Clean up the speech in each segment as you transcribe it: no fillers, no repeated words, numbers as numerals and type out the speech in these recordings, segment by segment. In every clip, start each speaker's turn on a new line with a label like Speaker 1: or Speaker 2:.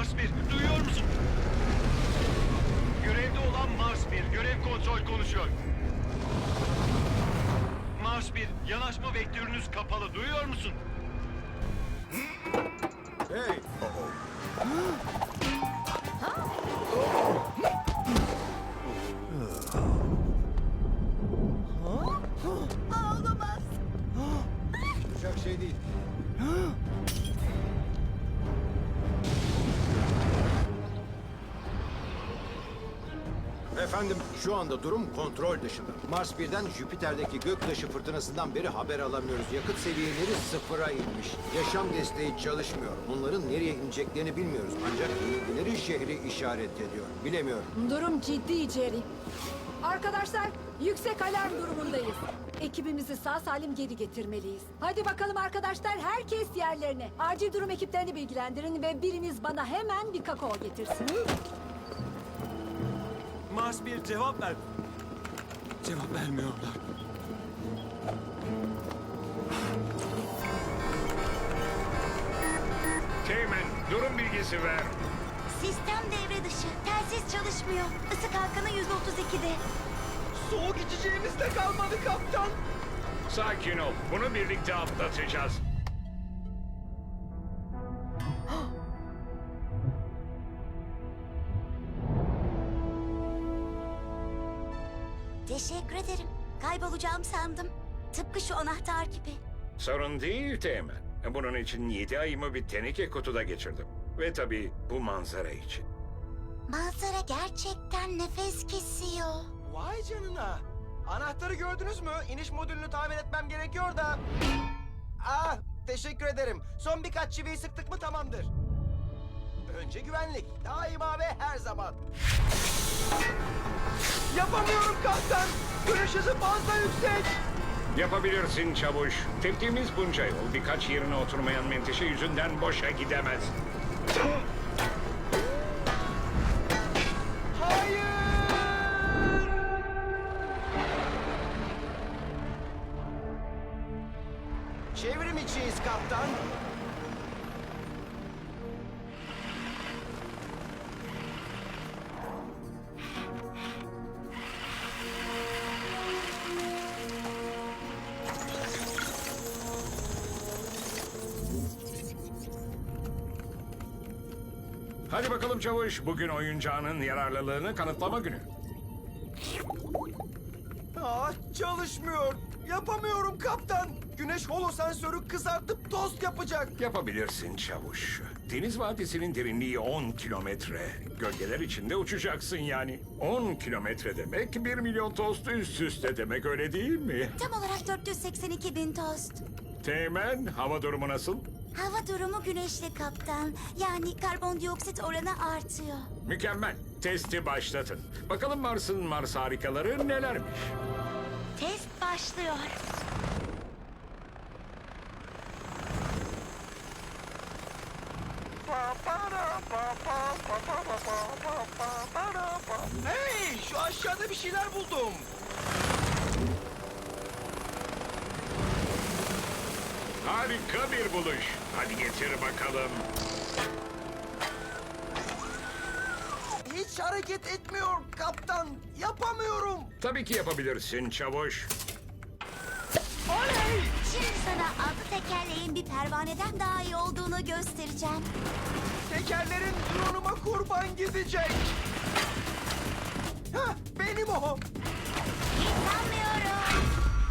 Speaker 1: Mars 1, duyuyor musun? Görevde olan Mars 1, görev kontrol konuşuyor. Mars 1, yanaşma vektörünüz kapalı, duyuyor musun?
Speaker 2: Hey!
Speaker 3: Olamaz.
Speaker 2: Olacak şey değil. Efendim, şu anda durum kontrol dışında. Mars 1'den Jüpiter'deki göktaşı fırtınasından beri haber alamıyoruz. Yakıt seviyeleri sıfıra inmiş. Yaşam desteği çalışmıyor. Onların nereye ineceklerini bilmiyoruz. Ancak bilgileri şehri işaret ediyor. Bilemiyorum.
Speaker 3: Durum ciddi Jerry. Arkadaşlar, yüksek alarm durumundayız. Ekibimizi sağ salim geri getirmeliyiz. Hadi bakalım arkadaşlar, herkes yerlerine. Acil durum ekiplerini bilgilendirin ve biriniz bana hemen bir kakao getirsin.
Speaker 4: Mars 1 cevap ver. Cevap vermiyorlar.
Speaker 5: Teğmen, durum bilgisi ver.
Speaker 6: Sistem devre dışı. Telsiz çalışmıyor. Isı kalkanı %32'de.
Speaker 4: Soğuk içeceğimiz de kalmadı kaptan.
Speaker 5: Sakin ol, bunu birlikte atlatacağız.
Speaker 6: Teşekkür ederim. Kaybolacağım sandım. Tıpkı şu anahtar gibi.
Speaker 5: Sorun değil Teğmen. Bunun için 7 ayımı bir teneke kutuda geçirdim. Ve tabii bu manzara için.
Speaker 6: Manzara gerçekten nefes kesiyor.
Speaker 4: Vay canına. Anahtarı gördünüz mü? İniş modülünü tamir etmem gerekiyor da. Ah, teşekkür ederim. Son birkaç çiviyi sıktık mı tamamdır. Önce güvenlik. Daima ve her zaman. Yapamıyorum kaptan. Görüş hızı fazla yüksek.
Speaker 5: Yapabilirsin çavuş. Teptiğimiz bunca yol birkaç yerine oturmayan menteşe yüzünden boşa gidemez.
Speaker 4: Hayır! Çevrim içiyiz kaptan.
Speaker 5: Hadi bakalım çavuş, bugün oyuncağının yararlılığını kanıtlama günü.
Speaker 4: Ah, çalışmıyor. Yapamıyorum kaptan. Güneş holo sensörü kızartıp tost yapacak.
Speaker 5: Yapabilirsin çavuş. Deniz Vadisi'nin derinliği 10 kilometre. Gölgeler içinde uçacaksın yani. 10 kilometre demek 1 milyon tost üst üste demek, öyle değil mi?
Speaker 6: Tam olarak 482 bin tost.
Speaker 5: Teğmen, hava durumu nasıl?
Speaker 6: Hava durumu güneşli kaptan. Yani karbondioksit oranı artıyor.
Speaker 5: Mükemmel. Testi başlatın. Bakalım Mars'ın Mars harikaları nelermiş?
Speaker 6: Test başlıyor.
Speaker 4: Hey, şu aşağıda bir şeyler buldum.
Speaker 5: Harika bir buluş. Hadi getir bakalım.
Speaker 4: Hiç hareket etmiyor kaptan. Yapamıyorum.
Speaker 5: Tabii ki yapabilirsin çavuş.
Speaker 4: Oley!
Speaker 6: Şimdi sana altı tekerleğin bir pervaneden daha iyi olduğunu göstereceğim.
Speaker 4: Tekerlerin drone'uma kurban gidecek. Hah, benim o.
Speaker 6: İnanmıyorum.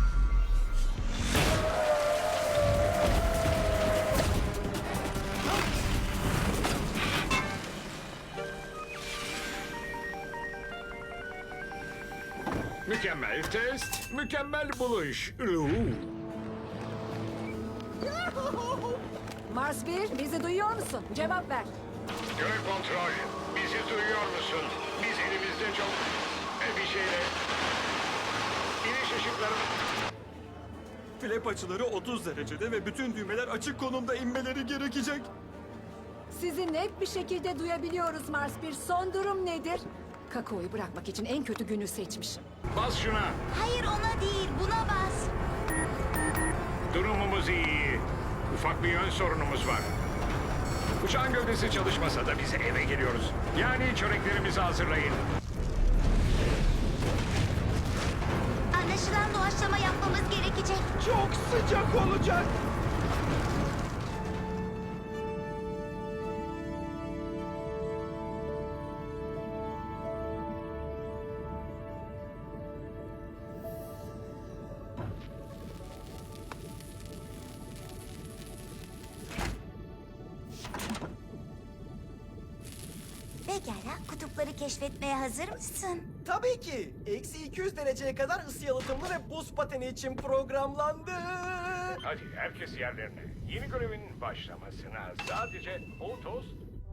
Speaker 5: Mükemmel test, mükemmel buluş.
Speaker 3: Mars 1, bizi duyuyor musun? Cevap ver.
Speaker 5: Görev kontrol. Bizi duyuyor musun? Biz elimizde çok bir şeyle... İniş ışıkları...
Speaker 4: Flap açıları 30 derecede ve bütün düğmeler açık konumda inmeleri gerekecek.
Speaker 3: Sizi net bir şekilde duyabiliyoruz Mars 1. Son durum nedir? Kakaoyu bırakmak için en kötü günü seçmişim.
Speaker 5: Bas şuna.
Speaker 6: Hayır, ona değil, buna bas.
Speaker 5: Durumumuz iyi. Ufak bir yön sorunumuz var. Uçağın gövdesi çalışmasa da biz eve geliyoruz. Yani çöreklerimizi hazırlayın.
Speaker 6: Anlaşılan doğaçlama yapmamız gerekecek.
Speaker 4: Çok sıcak olacak.
Speaker 6: Pekala, kutupları keşfetmeye hazır mısın?
Speaker 4: Tabii ki. Eksi 200 dereceye kadar ısı yalıtımlı ve buz pateni için programlandı.
Speaker 5: Hadi herkes yerlerine. Yeni görevin başlamasına sadece o tost.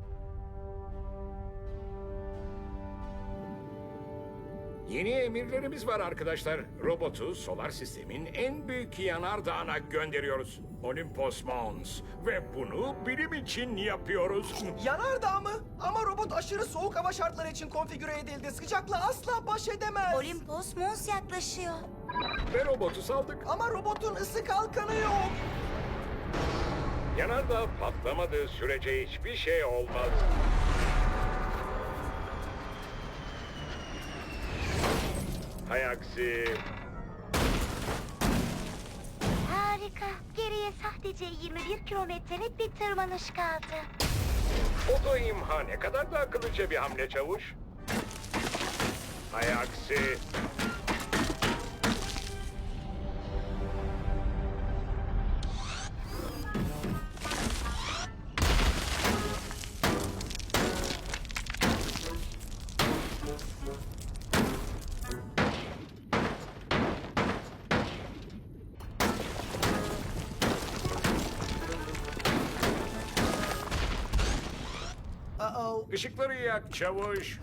Speaker 5: Yeni emirlerimiz var arkadaşlar. Robotu solar sistemin en büyük yanardağına gönderiyoruz. Olympus Mons. Ve bunu bilim için yapıyoruz.
Speaker 4: Yanardağ mı? Ama robot aşırı soğuk hava şartları için konfigüre edildi. Sıcakla asla baş edemez.
Speaker 6: Olympus Mons yaklaşıyor.
Speaker 5: Ve robotu saldık.
Speaker 4: Ama robotun ısı kalkanı yok.
Speaker 5: Yanardağ patlamadığı sürece hiçbir şey olmaz. Hay aksi.
Speaker 6: Harika. Geriye sadece 21 kilometrelik bir tırmanış kaldı.
Speaker 5: Oto imha ne kadar da akıllıca bir hamle çavuş. Hay aksi.
Speaker 4: Uh-oh.
Speaker 5: Işıkları yak çavuş.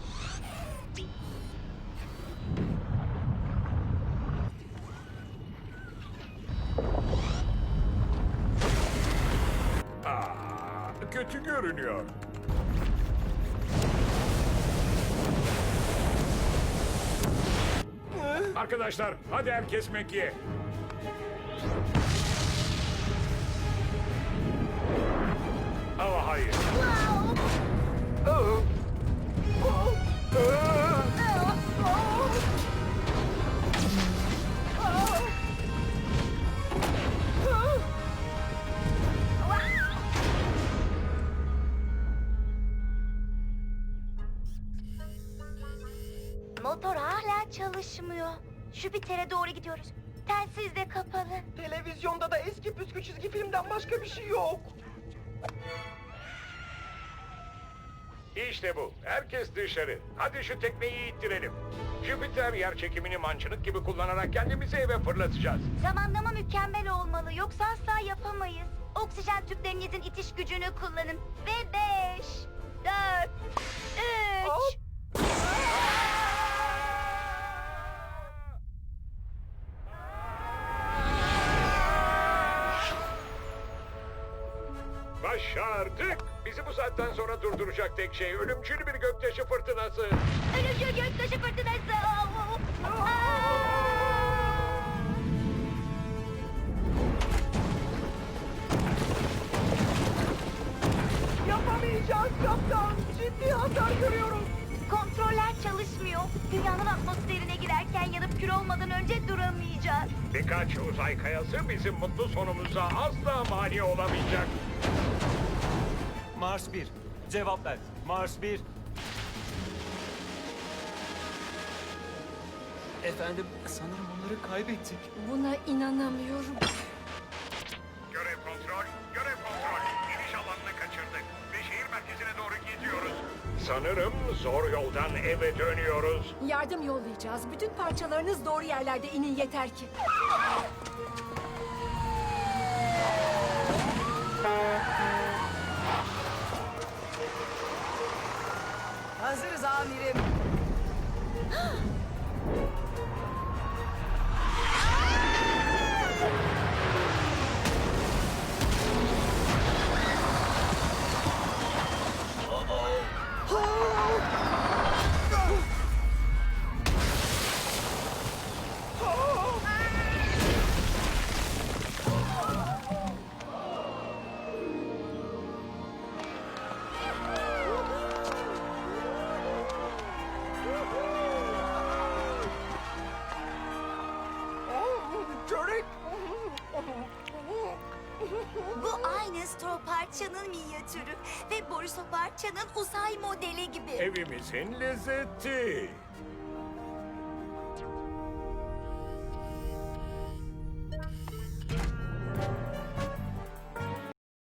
Speaker 5: Kötü görünüyor. Arkadaşlar hadi herkes Mekke'ye. Ama hayır.
Speaker 6: Motor hala çalışmıyor. Jüpiter'e doğru gidiyoruz. Telsiz de kapalı.
Speaker 4: Televizyonda da eski püskü çizgi filmden başka bir şey yok.
Speaker 5: İşte bu. Herkes dışarı. Hadi şu tekneyi ittirelim. Jüpiter yerçekimini mancınık gibi kullanarak kendimizi eve fırlatacağız.
Speaker 6: Zamanlama mükemmel olmalı. Yoksa asla yapamayız. Oksijen tüplerinizin itiş gücünü kullanın. Ve 5, 4, 3...
Speaker 4: Hop.
Speaker 5: Başardık. Bizi bu saatten sonra durduracak tek şey ölümcül bir göktaşı fırtınası.
Speaker 6: Ölümcül göktaşı fırtınası.
Speaker 4: Yapamayacağız kaptan. Ciddi hasar görüyoruz.
Speaker 6: Kontroller çalışmıyor. Dünyanın atmosferine girerken yanıp kül olmadan önce duramayacağız.
Speaker 5: Birkaç uzay kayası bizim mutlu sonumuza asla mani olamayacak.
Speaker 7: Mars 1. Cevap ver. Mars 1. Efendim, sanırım onları kaybettik.
Speaker 3: Buna inanamıyorum.
Speaker 5: Görev kontrol, görev kontrol. İniş alanını kaçırdık ve şehir merkezine doğru gidiyoruz. Sanırım zor yoldan eve dönüyoruz.
Speaker 3: Yardım yollayacağız. Bütün parçalarınız doğru yerlerde inin yeter ki.
Speaker 4: Hazırız amirim.
Speaker 6: Bu aynı Stro parçanın minyatürü ve Boris o parçanın uzay modeli gibi.
Speaker 5: Evimizin lezzeti.